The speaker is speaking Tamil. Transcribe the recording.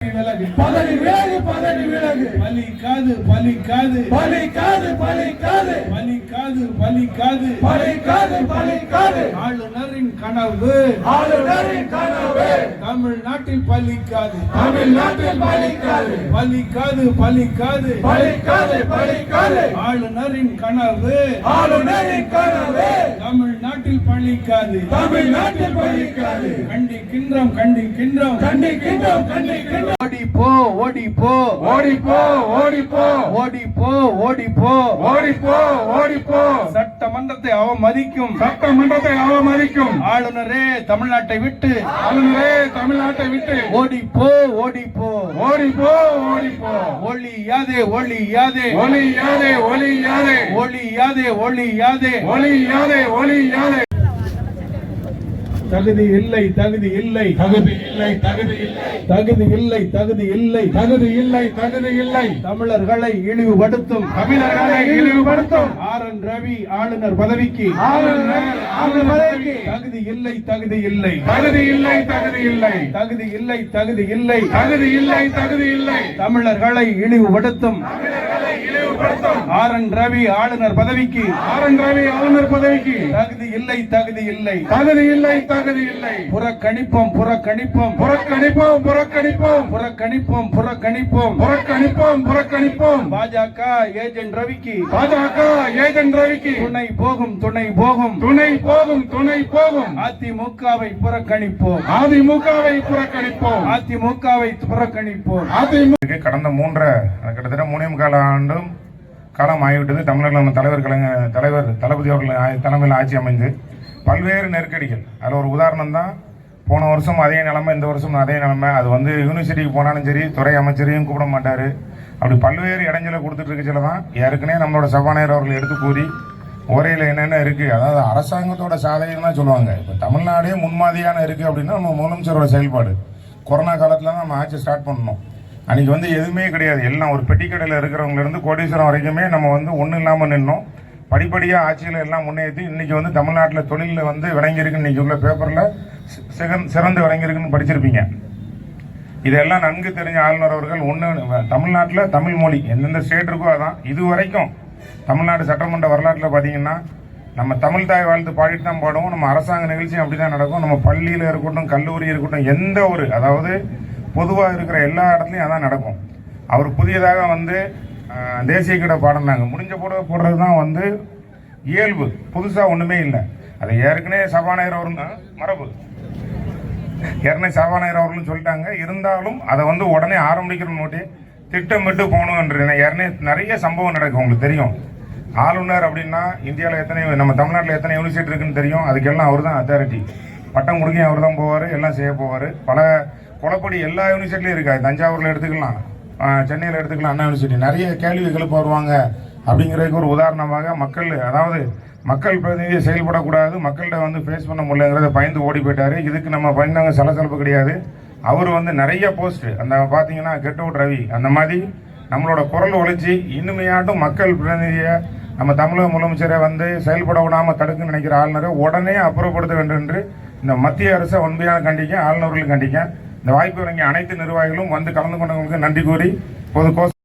விலகு பதவி விலகு பதவி விலகு பலிக்காது பலிக்காது பலிக்காது பலிக்காது பலிக்காது பலிக்காது பலிக்காது பலிக்காது ஆளுநரின் கனவு ஆளுநரின் கனவு தமிழ்நாட்டில் பலிக்காது தமிழ்நாட்டில் பலிக்காது பலிக்காது பலிக்காது பலிக்காது பலிக்காது ஆளுநரின் கனவு ஆளுநரின் கனவு தமிழ்நாட்டில் பலிக்காது தமிழ்நாட்டில் பலிக்காது கண்டிக்கின்றோம் கண்டிக்கின்றோம் கண்டிக்கின்றோம் கண்டிக்கின்றோம் ஓடி போ ஓடி போ ஓடி போ ஓடி போ ஓடி போ ஓடி போ ஓடி போ ஓடி போ சட்டமன்றத்தை அவமதிக்கும் சட்டமன்றத்தை அவமதிக்கும் ஆளுநரே தமிழ்நாட்டை விட்டு ஆளுநரே தமிழ்நாட்டை விட்டு ஓடி போ ஓடி போ ஓடி போ ஓடி போ ஒளியாதே ஒளியாதே ஒளியாதே ஒளியாதே ஒளியாதே ஒளியாதே ஒளியாதே ஒளியாதே தகுதி இல்லை தகுதி இல்லை தகுதி இல்லை தகுதி இல்லை தகுதி இல்லை தகுதி இல்லை தகுதி இல்லை தகுதி இல்லை தமிழர்களை இழிவுபடுத்தும் தமிழர்களை இழிவுபடுத்தும் ஆர்.என். ரவி ஆளுநர் பதவிக்கு ஆளுநர் பதவிக்கு தகுதி இல்லை தகுதி இல்லை தகுதி இல்லை தகுதி இல்லை தகுதி இல்லை தகுதி இல்லை தகுதி இல்லை தகுதி இல்லை தமிழர்களை இழிவுபடுத்தும் தமிழர்களை இழிவுபடுத்தும் ஆர்.என். ரவி ஆளுநர் பதவிக்கு ஆர்.என். ரவி ஆளுநர் பதவிக்கு தகுதி இல்லை தகுதி இல்லை தகுதி இல்லை தகுதி இல்லை புறக்கணிப்போம் புறக்கணிப்போம் புறக்கணிப்போம் புறக்கணிப்போம் புறக்கணிப்போம் புறக்கணிப்போம் புறக்கணிப்போம் புறக்கணிப்போம் பாஜக ஏஜென்ட் ரவிக்கு பாஜக ஏஜென்ட் ரவிக்கு துணை போகும் துணை போகும் துணை போகும் துணை போகும் அதிமுகவை புறக்கணிப்போம் அதிமுகவை புறக்கணிப்போம் அதிமுகவை புறக்கணிப்போம் அதிமுக கடந்த கிட்டத்தட்ட 3.25 ஆண்டும் காலம் ஆகிவிட்டது. தமிழர்கள் நம்ம தலைவர் தளபதி அவர்கள் தலைமையில் ஆட்சி அமைந்து பல்வேறு நெருக்கடிகள். அதில் ஒரு உதாரணம் தான், போன வருஷம் அதே நிலைமை, இந்த வருஷம் அதே நிலைமை. அது வந்து யூனிவர்சிட்டிக்கு போனாலும் சரி, துறை அமைச்சரையும் கூப்பிட மாட்டார். அப்படி பல்வேறு இடைஞ்சலை கொடுத்துட்டு இருக்கச்சில தான் ஏற்கனவே நம்மளோட சபாநாயகர் அவர்கள் எடுத்து கூறி உரையில் என்னென்ன இருக்குது, அதாவது அரசாங்கத்தோட சாதனைன்னு தான் சொல்லுவாங்க. இப்போ தமிழ்நாடே முன்மாதிரியான இருக்குது அப்படின்னா நம்ம முதலமைச்சரோட செயல்பாடு. கொரோனா காலத்தில் தான் நம்ம ஆட்சி ஸ்டார்ட் பண்ணணும். அன்றைக்கி வந்து எதுவுமே கிடையாது. எல்லாம் ஒரு பெட்டிக்கடையில் இருக்கிறவங்கலேருந்து கோடீஸ்வரம் வரைக்குமே நம்ம வந்து ஒன்றும் இல்லாமல் நின்னோம். படிப்படியாக ஆட்சியில் எல்லாம் முன்னேற்றி இன்றைக்கி வந்து தமிழ்நாட்டில் தொழிலில் வந்து விளங்கியிருக்குன்னு இன்றைக்கி உள்ள பேப்பரில் சிறந்து விளங்கியிருக்குன்னு படிச்சிருப்பீங்க. இதெல்லாம் நன்கு தெரிஞ்ச ஆளுநர் அவர்கள் தமிழ்நாட்டில் தமிழ் மொழி எந்தெந்த ஸ்டேட் இருக்கோ அதான். இது வரைக்கும் தமிழ்நாடு சட்டமன்ற வரலாற்றில் பார்த்தீங்கன்னா நம்ம தமிழ் தாய் வாழ்த்து பாடிட்டு தான் பாடுவோம். நம்ம அரசாங்க நிகழ்ச்சியும் அப்படி தான் நடக்கும். நம்ம பள்ளியில் இருக்கட்டும், கல்லூரி இருக்கட்டும், எந்த ஒரு அதாவது பொதுவாக இருக்கிற எல்லா இடத்துலையும் அதான் நடக்கும். அவர் புதியதாக வந்து தேசிய கீட பாடினாங்க. முடிஞ்ச போடுறது தான் வந்து இயல்பு, புதுசாக ஒன்றுமே இல்லை. அதை ஏற்கனவே சபாநாயகர் அவர்களும் சொல்லிட்டாங்க. இருந்தாலும் அதை வந்து உடனே ஆரம்பிக்கிற நோட்டி திட்டமிட்டு போகணுன்ற ஏற்கனவே நிறைய சம்பவம் நடக்கும். உங்களுக்கு தெரியும், ஆளுநர் அப்படின்னா இந்தியாவில் எத்தனை, நம்ம தமிழ்நாட்டில் எத்தனை யூனிவர்சிட்டி இருக்குன்னு தெரியும். அதுக்கெல்லாம் அவர் தான் அத்தாரிட்டி. பட்டம் கொடுக்க அவர் தான் போவார், எல்லாம் செய்ய போவார். பல குளப்படி எல்லா யூனிவர்சிட்டிலையும் இருக்காது. தஞ்சாவூரில் எடுத்துக்கலாம், சென்னையில் எடுத்துக்கலாம், அண்ணா யூனிவர்சிட்டி. நிறைய கேள்வி எழுப்ப வருவாங்க. அப்படிங்கிறதுக்கு ஒரு உதாரணமாக மக்கள் பிரதிநிதியை செயல்படக்கூடாது, மக்கள்கிட்ட வந்து ஃபேஸ் பண்ண முடியலங்கிறத பயந்து ஓடி போயிட்டார். இதுக்கு நம்ம பயந்தாங்க சலசலப்பு கிடையாது. அவர் வந்து நிறைய போஸ்ட் அந்த பார்த்தீங்கன்னா கெட் அவுட் ரவி அந்த மாதிரி நம்மளோட குரல் ஒழிச்சு இனிமையாட்டும் மக்கள் பிரதிநிதியை நம்ம தமிழக முதலமைச்சரை வந்து செயல்பட விடாமல் தடுக்குன்னு நினைக்கிற ஆளுநரை உடனே அப்புறப்படுத்த வேண்டும் என்று இந்த மத்திய அரசை உண்மையாக கண்டிக்க, ஆளுநர்களும் கண்டிக்க. இந்த வாய்ப்பு வழங்கிய அனைத்து நிர்வாகிகளும் வந்து கலந்து கொண்டவங்களுக்கு நன்றி கூறி பொது